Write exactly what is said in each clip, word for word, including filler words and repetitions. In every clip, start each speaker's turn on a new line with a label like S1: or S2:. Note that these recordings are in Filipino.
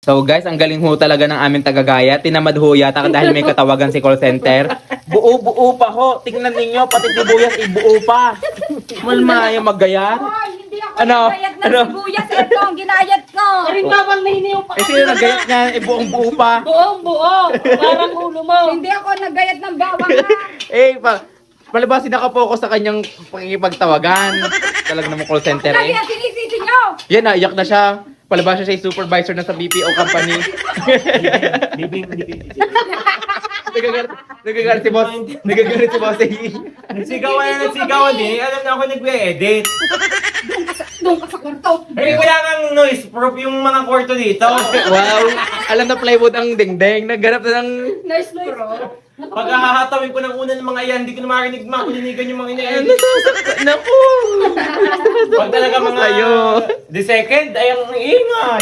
S1: So guys, ang galing ho talaga ng aming tagagaya. Tinamad ho yata dahil may katawagan si call center. Buo-buo pa ho. Tingnan ninyo, pati sibuyas ibuo pa. Malma yung maggayat.
S2: Hoy, hindi ako
S1: Ano?
S2: nagbayad ng
S1: Ano?
S2: sibuyas. Ito ang ginayat ko.
S3: Rin naman na hindi yung
S1: Eh sino naggayat niya? Eh buong buo pa.
S3: buong buo. Parang ulo mo.
S2: Hindi ako nagbayad ng bawang ha.
S1: Eh, pa, palabasin nakapokus sa kanyang pagkikipagtawagan. Talaga namang call center
S2: Lagi
S1: eh.
S2: ang sinisisi nyo.
S1: Yan, naiyak na siya. Palabas siya sa supervisor na sa B P O company. Nagagalit, nagagalit si boss. Nagagalit si boss.
S4: Nagsigawan na nagsigawan din. Alam na ako nagwe-edit.
S2: Doon ka sa kwarto.
S4: Eh, wala kang noise proof yung mga kwarto dito.
S1: Wow! Alam na plywood ang dingding. Nagganap na ng...
S2: Nurse pro.
S4: Pag hahatawin ko ng una ng mga yan, hindi ko na marinig makulinigan yung mga ina-edit.
S1: Nasasaktan. Naku!
S4: Pag talaga mga
S1: Sa'yo.
S4: the second, ay ang ingay.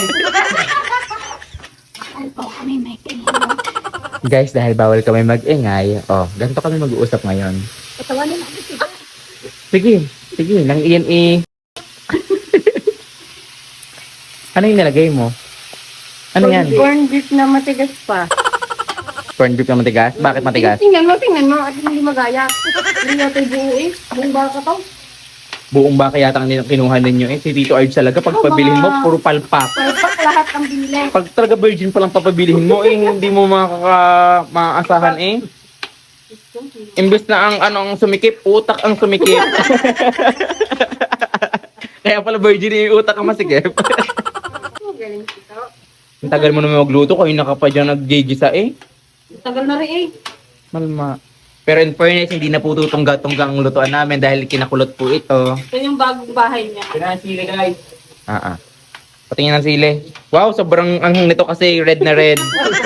S2: Alpo kami may kailan.
S1: Guys, dahil bawal kami mag-ingay, oh, ganito kami mag-uusap ngayon.
S2: Patawanin natin siya.
S1: Sige, sige, nang iyan i... Ano yung nilagay mo? Ano yan?
S3: Corn beef na matigas pa.
S1: Corn beef na matigas? Bakit matigas?
S3: Tingnan mo, tingnan mo. At hindi magaya. Hindi natin buo eh. Buong baka to.
S1: Buong baka yata ang kinuha ninyo eh. Si Tito Arj talaga, pag pabilihin mo, puro palpak.
S3: Palpak lahat ang binili.
S1: Pag talaga virgin pa lang papabilihin mo, eh, hindi mo makaka maaasahan eh. Imbes na ang ano ang sumikip, utak ang sumikip. Kaya pala virgin yung utak ang masikip.
S3: Galing ito.
S1: Ang tagal mo naman magluto, kayo naka pa dyan nag-gigisa eh.
S3: Tagal na rin eh.
S1: Malma. Pero in fairness, hindi na po tutungga-tungga ang lutuan namin dahil kinakulot po ito.
S3: Ito yung bagong bahay niya.
S4: Pinasili guys.
S1: Ah, ah. Patingin ng sili. Wow, sobrang anghang nito kasi red na red.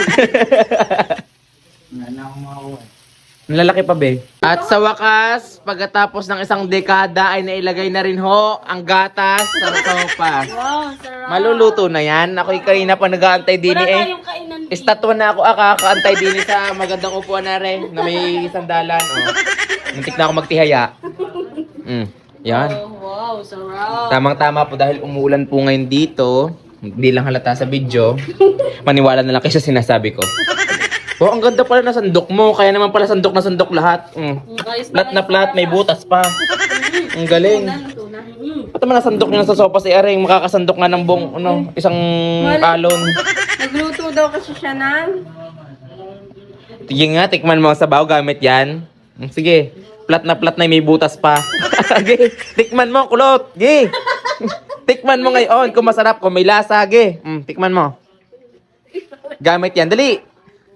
S4: Wala na akong makakuha.
S1: Lalaki pa be. At sa wakas, pagkatapos ng isang dekada ay nailagay na rin ho ang gatas sa sopa.
S3: Wow, sarap.
S1: Maluluto na yan. Ako'y kanina pa nag-aantay din
S3: Wala
S1: eh.
S3: tayong kainan.
S1: Estatwa na ako akakaantay din sa magandang upuan na rin na may sandalan. Oh. Muntik na ako magtihaya. Mm. Yan.
S3: Oh, wow, sarap.
S1: Tamang-tama po dahil umuulan po ngayon dito. Hindi lang halata sa video. Maniwala na lang kayo sa sinasabi ko. Oh, ang ganda pala na sandok mo. Kaya naman pala sandok na sandok lahat. Mm. Plat na plat, may butas pa. Ang galing.
S3: Luto na. Mm.
S1: Ba't naman nasandok nyo na sa sopa si Aring? Makakasandok nga ng buong, ano, isang alon.
S3: Nagluto daw kasi siya ng...
S1: Sige nga, tikman mo ang sabaw gamit yan. Mm, Sige, plat na plat na may butas pa. Sige, tikman mo, kulot. Sige. Tikman mo ngayon kung masarap, kung may lasa. Sige, mm, tikman mo. Gamit yan, dali.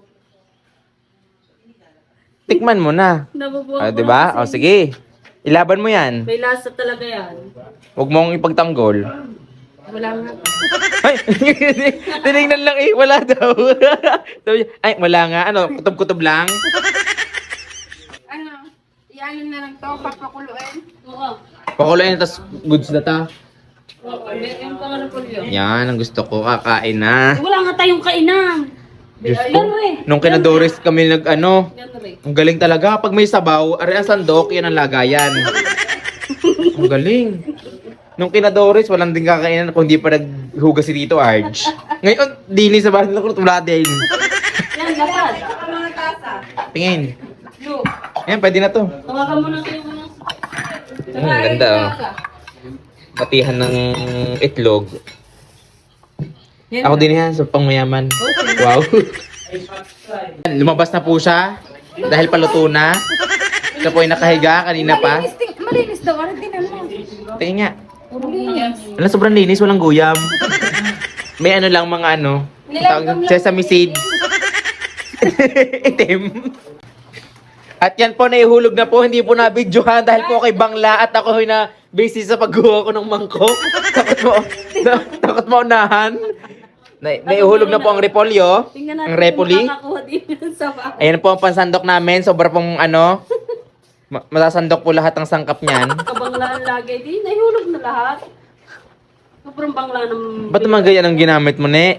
S1: Tikman mo na.
S3: Nabubuhay
S1: Ah, di ba? O sige. Ilaban mo yan.
S3: May lasa talaga yan.
S1: Huwag mong ipagtanggol.
S3: Wala nga.
S1: Ay, tinignan lang eh. Wala daw. Sabi niya, ay, wala nga. Ano, kutob-kutob lang?
S3: Ano? Iyanin na lang to, papakuluin. Oo.
S1: Pakulayan, tas goods na ta.
S3: Oo, yung pangalan ko yun.
S1: Yan, ang gusto ko. Kakain na.
S3: Wala nga tayong kainan.
S1: Diyos ko.
S3: Yan re.
S1: Nung kinadores kami nag ano,
S3: Yan re.
S1: ang galing talaga. Pag may sabaw, ari ang sandok, yan ang lagayan. Ang galing. Nung kinadores, walang din kakainan kung di pa naghugas si Tito Arj. Ngayon, dini sa bahay nila, wala din.
S3: Yan, lapad.
S2: Mga tasa.
S1: Tingin.
S3: Yo.
S1: Ayan, pwede na to.
S3: Tawagan mo na kayo mga...
S1: Mm, ang ganda oh. Patihan ng itlog. Ako din yan, sa pangmayaman. Wow. Lumabas na po siya. Dahil paluto na. Siya po ay nakahiga kanina pa.
S2: Malinis, ting- malinis daw. Ano din mo?
S1: Tingin nga.
S2: Malinis.
S1: Alam, sobrang linis, walang guyam. May ano lang mga ano.
S2: Nilagam lang.
S1: Sesame seeds. Itim. At yan po, naihulog na po. Hindi po na-videohan dahil po kay Bangla at ako ay na busy sa paggawa ko ng mangkok. Takot mo, na- takot mo unahan. Na, naihulog na po ang repolyo.
S3: Tingnan natin
S1: Ang repoli.
S3: kung makakakuha din sa bahay.
S1: Ayan po ang pansandok namin. Sobra pong ano. ma- Masasandok po lahat ng sangkap niyan.
S3: Kabanglaan lagi. Di, nahihulog na lahat. Sobrang bangla ng...
S1: Ba't naman ganyan ang ginamit mo, ne?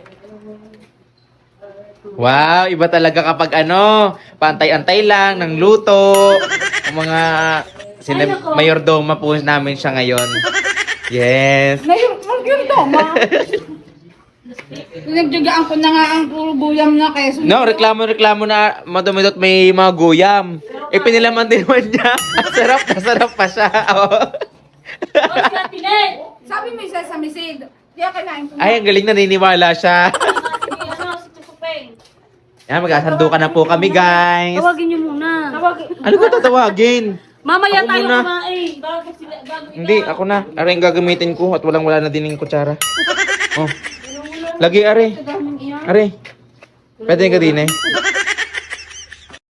S1: Wow, iba talaga kapag ano, pantay-antay lang ng luto. Ang mga sina mayordoma po namin siya ngayon. Yes.
S2: Ngayon, mag-yun daw, ma. Pinagdagaan ko na nga ang puro guyam na keso.
S1: No, reklamo-reklamo na madumidot may mga guyam. Ipinilaman din naman niya. Ang sarap na sarap pa siya. Oh.
S3: Oy, si Ate Nel!
S2: Sabi mo yung sesame seed. Di ako kinain ko.
S1: Ay, ang galing na naniniwala siya.
S3: Si ano, si Chukupeng.
S1: Yan, magkasandukan na po kami, guys.
S3: Tawagin niyo muna. Tawagin.
S1: Ano ko tatawagin?
S3: Mamaya
S1: Ako
S3: tayo
S1: muna.
S3: kumain. Bago sila, bago ikaw.
S1: Hindi, ako na. Are yung gagamitin ko at walang wala na din yung kutsara. Oh. Lagi, are.
S2: Daming iyan.
S1: Are. Pwede ka din eh.